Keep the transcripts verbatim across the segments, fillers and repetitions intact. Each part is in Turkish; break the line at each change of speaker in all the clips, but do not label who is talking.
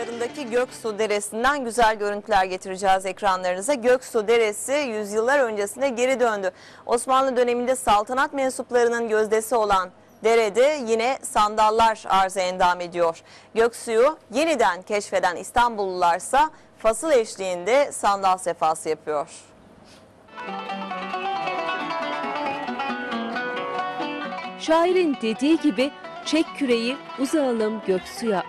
civarındaki Göksu Deresi'nden güzel görüntüler getireceğiz ekranlarınıza. Göksu Deresi yüzyıllar öncesine geri döndü. Osmanlı döneminde saltanat mensuplarının gözdesi olan derede yine sandallar arıza endam ediyor. Göksu'yu yeniden keşfeden İstanbullularsa fasıl eşliğinde sandal sefası yapıyor.
Şairin dediği gibi çek küreği uzağalım Göksu'ya.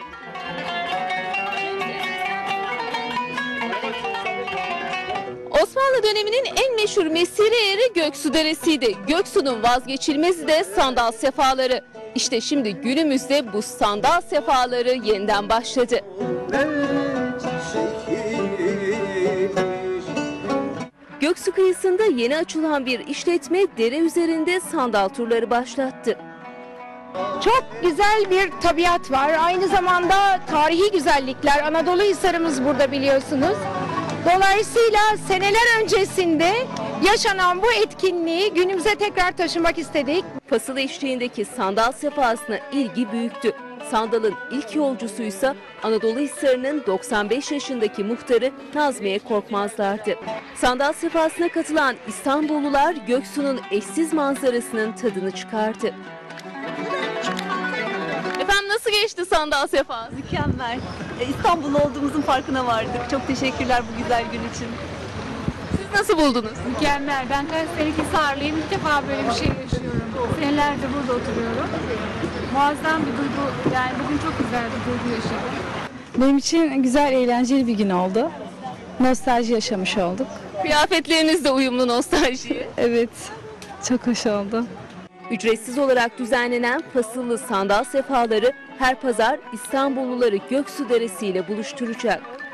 Osmanlı döneminin en meşhur mesire yeri Göksu Deresi'ydi. Göksu'nun vazgeçilmezi de sandal sefaları. İşte şimdi günümüzde bu sandal sefaları yeniden başladı. Göksu kıyısında yeni açılan bir işletme dere üzerinde sandal turları başlattı.
Çok güzel bir tabiat var. Aynı zamanda tarihi güzellikler. Anadolu Hisarımız burada biliyorsunuz. Dolayısıyla seneler öncesinde yaşanan bu etkinliği günümüze tekrar taşımak istedik.
Fasıl eşliğindeki sandal sefasına ilgi büyüktü. Sandalın ilk yolcusuysa Anadolu Hisarı'nın doksan beş yaşındaki muhtarı Nazmiye Korkmazlar'dı. Sandal sefasına katılan İstanbullular Göksu'nun eşsiz manzarasının tadını çıkardı. Efendim nasıl geçti sandal sefası?
Mükemmel. İstanbul'da olduğumuzun farkına vardık. Çok teşekkürler bu güzel gün için.
Siz nasıl buldunuz?
Mükemmel. Ben kaç senelik Hisarlıyım. İlk defa böyle bir şey yaşıyorum. Senelerdir burada oturuyorum. Muazzam bir duygu. Yani bugün çok güzel bir duygu yaşadım.
Benim için güzel, eğlenceli bir gün oldu. Nostalji yaşamış olduk.
Kıyafetleriniz de uyumlu nostaljiye.
Evet, çok hoş oldu.
Ücretsiz olarak düzenlenen fasıllı sandal sefaları her pazar İstanbulluları Göksu Deresi ile buluşturacak.